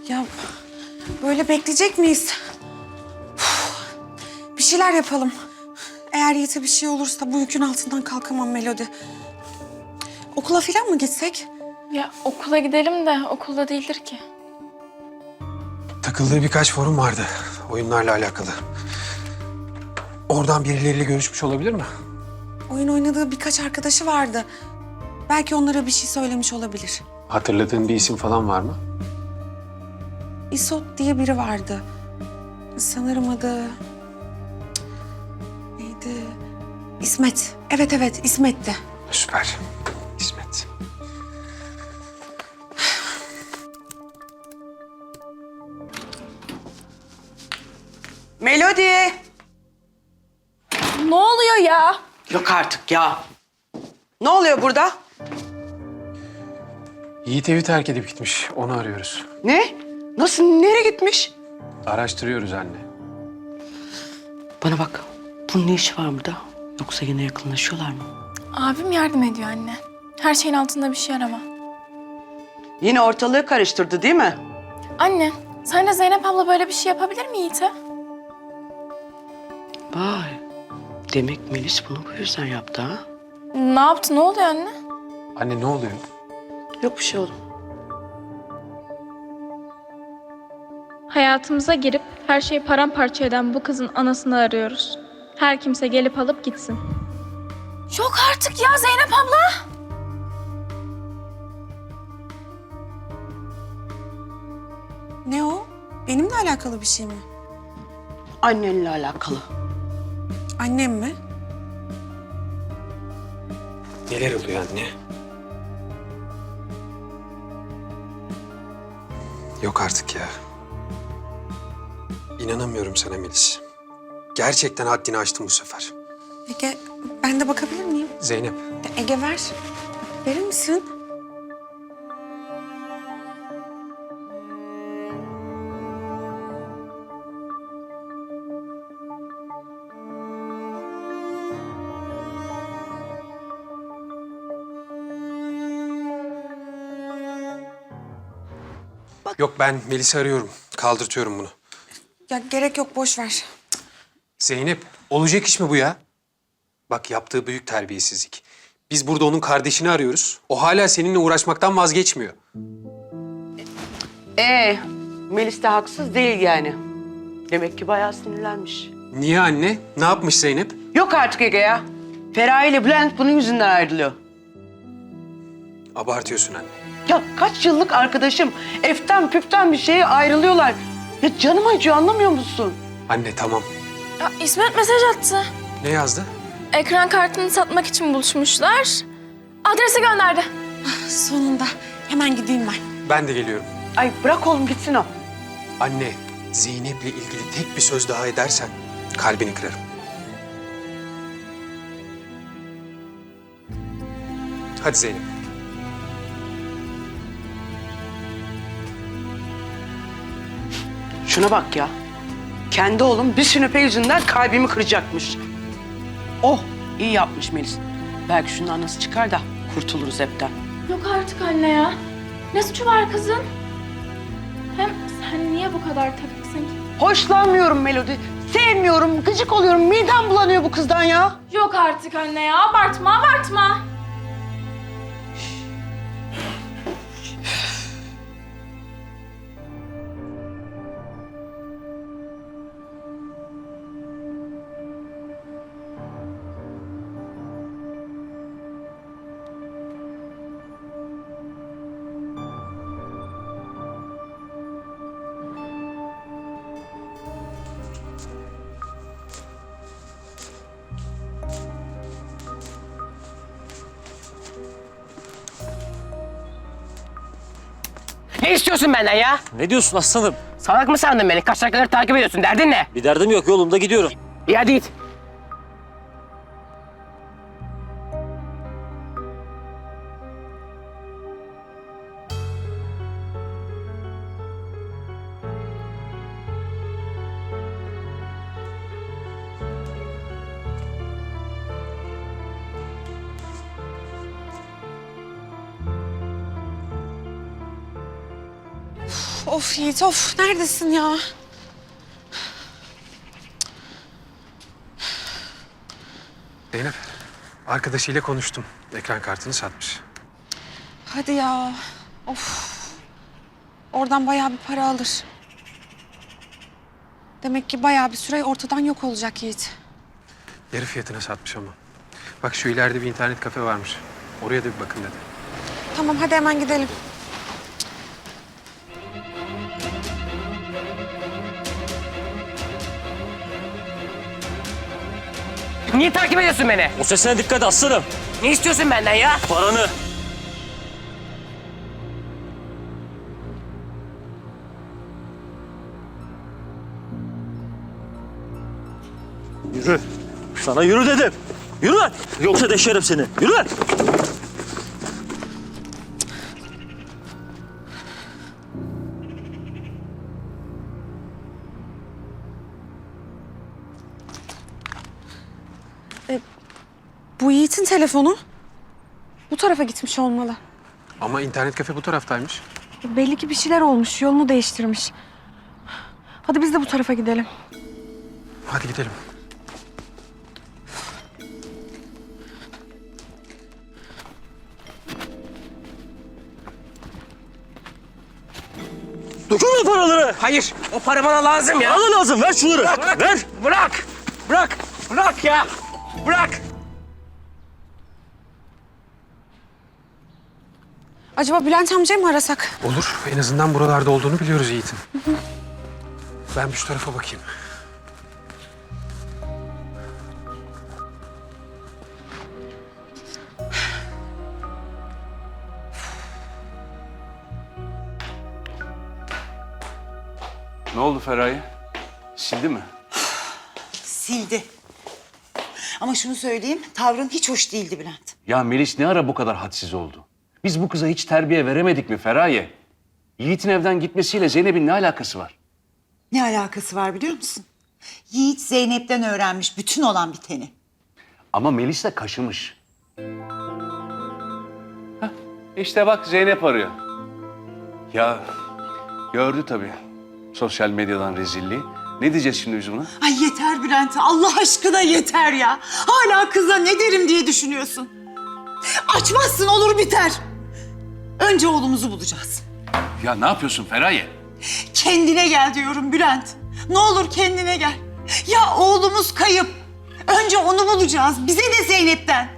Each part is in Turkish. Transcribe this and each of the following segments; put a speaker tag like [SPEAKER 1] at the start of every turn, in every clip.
[SPEAKER 1] Ya böyle bekleyecek miyiz? Uf, bir şeyler yapalım. Eğer Yiğit'e bir şey olursa bu yükün altından kalkamam Melodi. Okula falan mı gitsek?
[SPEAKER 2] Ya okula gidelim de okulda değildir ki.
[SPEAKER 3] Takıldığı birkaç forum vardı oyunlarla alakalı. Oradan birileriyle görüşmüş olabilir mi?
[SPEAKER 1] Oyun oynadığı birkaç arkadaşı vardı. Belki onlara bir şey söylemiş olabilir.
[SPEAKER 3] Hatırladığın bir isim falan var mı?
[SPEAKER 1] İsot diye biri vardı. Sanırım adı... Neydi? İsmet. Evet İsmet'ti.
[SPEAKER 3] Süper. İsmet.
[SPEAKER 4] Melodi!
[SPEAKER 2] Ne oluyor ya?
[SPEAKER 4] Yok artık ya. Ne oluyor burada?
[SPEAKER 3] Yiğit evi terk edip gitmiş. Onu arıyoruz.
[SPEAKER 4] Ne? Nasıl? Nereye gitmiş?
[SPEAKER 3] Araştırıyoruz anne.
[SPEAKER 4] Bana bak. Bunun ne işi var burada? Yoksa yine yakınlaşıyorlar mı?
[SPEAKER 2] Abim yardım ediyor anne. Her şeyin altında bir şey arama.
[SPEAKER 4] Yine ortalığı karıştırdı değil mi?
[SPEAKER 2] Anne, sence Zeynep abla böyle bir şey yapabilir mi Yiğit'e?
[SPEAKER 4] Vay. Demek Melis bunu bu yüzden yaptı ha?
[SPEAKER 2] Ne yaptı? Ne oluyor anne?
[SPEAKER 3] Anne ne oluyor?
[SPEAKER 4] Yok bir şey oğlum.
[SPEAKER 5] Hayatımıza girip her şeyi paramparça eden bu kızın anasını arıyoruz. Her kimse gelip alıp gitsin.
[SPEAKER 2] Yok artık ya Zeynep abla.
[SPEAKER 1] Ne o? Benimle alakalı bir şey mi?
[SPEAKER 4] Annenle alakalı.
[SPEAKER 1] Annem mi?
[SPEAKER 3] Neler oluyor anne? Yok artık ya. İnanamıyorum sana Melis. Gerçekten haddini aştın bu sefer.
[SPEAKER 1] Ege, ben de bakabilir miyim?
[SPEAKER 3] Zeynep,
[SPEAKER 1] Ege ver. Verir misin?
[SPEAKER 3] yok ben Melis'i arıyorum. Kaldırtıyorum bunu.
[SPEAKER 1] Ya gerek yok, boş ver.
[SPEAKER 3] Zeynep, olacak iş mi bu ya? Bak yaptığı büyük terbiyesizlik. Biz burada onun kardeşini arıyoruz. O hala seninle uğraşmaktan vazgeçmiyor.
[SPEAKER 4] Melis de haksız değil yani. Demek ki bayağı sinirlenmiş.
[SPEAKER 3] Niye anne? Ne yapmış Zeynep?
[SPEAKER 4] Yok artık Ege ya. Feraye ile Bülent bunun yüzünden ayrılıyor.
[SPEAKER 3] Abartıyorsun anne.
[SPEAKER 4] Ya kaç yıllık arkadaşım. Eften püften bir şeye ayrılıyorlar. Ya canım acıyor anlamıyor musun?
[SPEAKER 3] Anne tamam.
[SPEAKER 2] Ya İsmet mesaj attı.
[SPEAKER 3] Ne yazdı?
[SPEAKER 2] Ekran kartını satmak için buluşmuşlar. Adresi gönderdi.
[SPEAKER 1] Sonunda. Hemen gideyim ben.
[SPEAKER 3] Ben de geliyorum.
[SPEAKER 4] Ay bırak oğlum gitsin o.
[SPEAKER 3] Anne, Zeynep'le ilgili tek bir söz daha edersen kalbini kırarım. Hadi Zeynep.
[SPEAKER 4] Şuna bak ya. Kendi oğlum bir sünepe yüzünden kalbimi kıracakmış. Oh iyi yapmış Melis. Belki şunun anası çıkar da kurtuluruz hepten.
[SPEAKER 5] Yok artık anne ya. Ne suçu var kızın? Hem sen niye bu kadar takıksın ki?
[SPEAKER 4] Hoşlanmıyorum Melodi. Sevmiyorum, gıcık oluyorum. Midem bulanıyor bu kızdan ya.
[SPEAKER 5] Yok artık anne ya. Abartma abartma.
[SPEAKER 6] Ne istiyorsun benden ya?
[SPEAKER 7] Ne diyorsun aslanım?
[SPEAKER 6] Salak mı sandın beni? Kaç dakikaları takip ediyorsun? Derdin ne?
[SPEAKER 7] Bir derdim yok, yolumda gidiyorum.
[SPEAKER 6] İyi hadi git.
[SPEAKER 1] Of Yiğit of. Neredesin ya?
[SPEAKER 3] Zeynep, arkadaşıyla konuştum. Ekran kartını satmış.
[SPEAKER 1] Hadi ya. Of. Oradan bayağı bir para alır. Demek ki bayağı bir süre ortadan yok olacak Yiğit.
[SPEAKER 3] Yarı fiyatına satmış ama. Bak şu ileride bir internet kafe varmış. Oraya da bir bakın dedi.
[SPEAKER 1] Tamam hadi hemen gidelim.
[SPEAKER 6] Niye takip ediyorsun beni?
[SPEAKER 7] O sesine dikkat et aslanım.
[SPEAKER 6] Ne istiyorsun benden ya?
[SPEAKER 7] Paranı. Yürü. Sana yürü dedim. Yürü lan. Yoksa deşerim seni. Yürü lan.
[SPEAKER 1] Bu Yiğit'in telefonu. Bu tarafa gitmiş olmalı.
[SPEAKER 3] Ama internet kafe bu taraftaymış.
[SPEAKER 1] Belli ki bir şeyler olmuş. Yolunu değiştirmiş. Hadi biz de bu tarafa gidelim.
[SPEAKER 3] Hadi gidelim.
[SPEAKER 7] Dokunma paraları.
[SPEAKER 6] Hayır, o para bana lazım ya.
[SPEAKER 7] Bana lazım. Ver şunları. Ver.
[SPEAKER 6] Bırak! Bırak! Bırak ya! Bırak!
[SPEAKER 1] Acaba Bülent amcayı mı arasak?
[SPEAKER 3] Olur. En azından buralarda olduğunu biliyoruz Yiğit'in. Ben bir şu tarafa bakayım.
[SPEAKER 8] Ne oldu Feraye? Sildi mi?
[SPEAKER 9] Sildi. Ama şunu söyleyeyim, tavrın hiç hoş değildi Bülent.
[SPEAKER 8] Ya Melis ne ara bu kadar hadsiz oldu? Biz bu kıza hiç terbiye veremedik mi Feraye? Yiğit'in evden gitmesiyle Zeynep'in ne alakası var?
[SPEAKER 9] Ne alakası var biliyor musun? Yiğit Zeynep'ten öğrenmiş bütün olan biteni.
[SPEAKER 8] Ama Melis de kaşımış. Hah, işte bak Zeynep arıyor. Ya gördü tabii sosyal medyadan rezilliği. Ne diyeceğiz şimdi biz buna?
[SPEAKER 9] Ay yeter Bülent, Allah aşkına yeter ya. Hala kıza ne derim diye düşünüyorsun. Açmazsın olur biter. Önce oğlumuzu bulacağız.
[SPEAKER 8] Ya ne yapıyorsun Feraye?
[SPEAKER 9] Kendine gel diyorum Bülent. Ne olur kendine gel. Ya oğlumuz kayıp. Önce onu bulacağız. Bize de Zeynep'ten.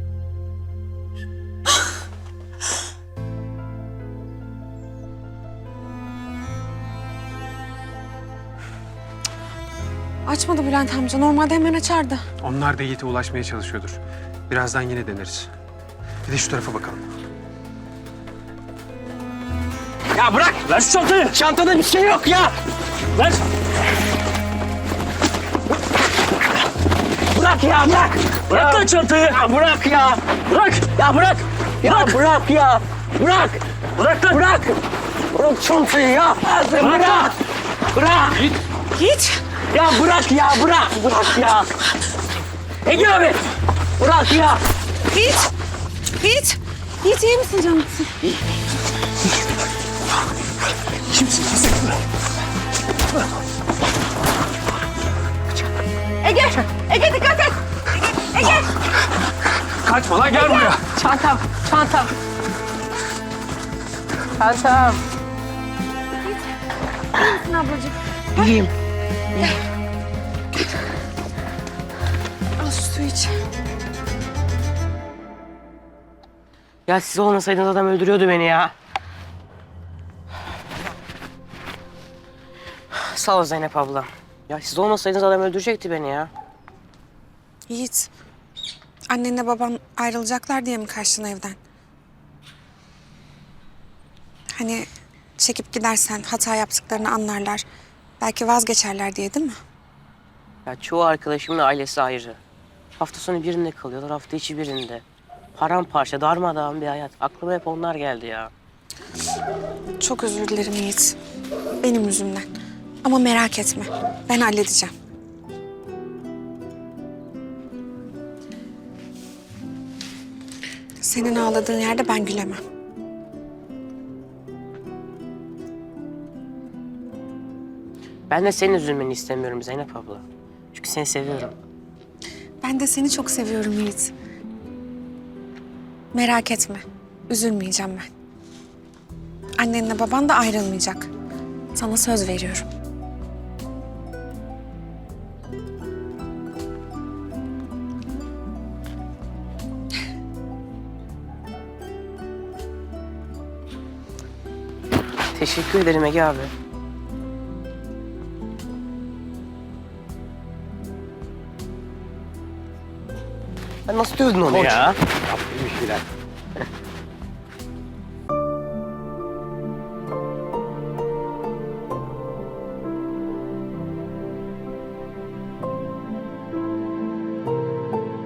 [SPEAKER 1] Açmadı Bülent amca. Normalde hemen açardı.
[SPEAKER 3] Onlar da Yiğit'e ulaşmaya çalışıyordur. Birazdan yine deneriz. Bir de şu tarafa bakalım.
[SPEAKER 6] Ya bırak!
[SPEAKER 7] Ver şu çantayı.
[SPEAKER 6] Çantada bir şey yok ya!
[SPEAKER 7] Ver.
[SPEAKER 6] Bırak ya, bırak!
[SPEAKER 7] Bırak lan çantayı.
[SPEAKER 6] Ya bırak ya!
[SPEAKER 7] Bırak.
[SPEAKER 6] Ya bırak! Ya bırak ya! Bırak!
[SPEAKER 7] Bırak lan.
[SPEAKER 6] Bırak! Bırak çantayı ya! Bırak! Bırak!
[SPEAKER 1] Yiğit!
[SPEAKER 6] Ya bırak ya, bırak! Bırak ya! Ege abi! Bırak ya!
[SPEAKER 1] Yiğit! Yiğit! Yiğit iyi misin canım? Ege! Ege dikkat et! Ege!
[SPEAKER 3] Kaçma lan gel buraya.
[SPEAKER 6] Çantam, çantam. Çantam.
[SPEAKER 1] İyi misin ablacığım?
[SPEAKER 6] İyiyim.
[SPEAKER 1] Al şu suyu iç.
[SPEAKER 6] Ya siz olmasaydınız adam öldürüyordu beni ya. Sağ ol Zeynep abla. Ya siz olmasaydınız adam öldürecekti beni ya.
[SPEAKER 1] Yiğit, annenle baban ayrılacaklar diye mi kaçtın evden? Hani çekip gidersen hata yaptıklarını anlarlar. Belki vazgeçerler diye değil mi?
[SPEAKER 6] Ya çoğu arkadaşımın ailesi ayrı. Hafta sonu birinde kalıyorlar, hafta içi birinde. Paramparça, darmadağın bir hayat. Aklıma hep onlar geldi ya.
[SPEAKER 1] Çok özür dilerim Yiğit. Benim yüzümden. Ama merak etme. Ben halledeceğim. Senin ağladığın yerde ben gülemem.
[SPEAKER 6] Ben de senin üzülmeni istemiyorum Zeynep abla. Çünkü seni seviyorum.
[SPEAKER 1] Ben de seni çok seviyorum Yiğit. Merak etme. Üzülmeyeceğim ben. Annenle baban da ayrılmayacak. Sana söz veriyorum.
[SPEAKER 6] Teşekkür ederim Ege abi. Ben nasıl dövdün onu ya?
[SPEAKER 3] Yaptım bir şeyler.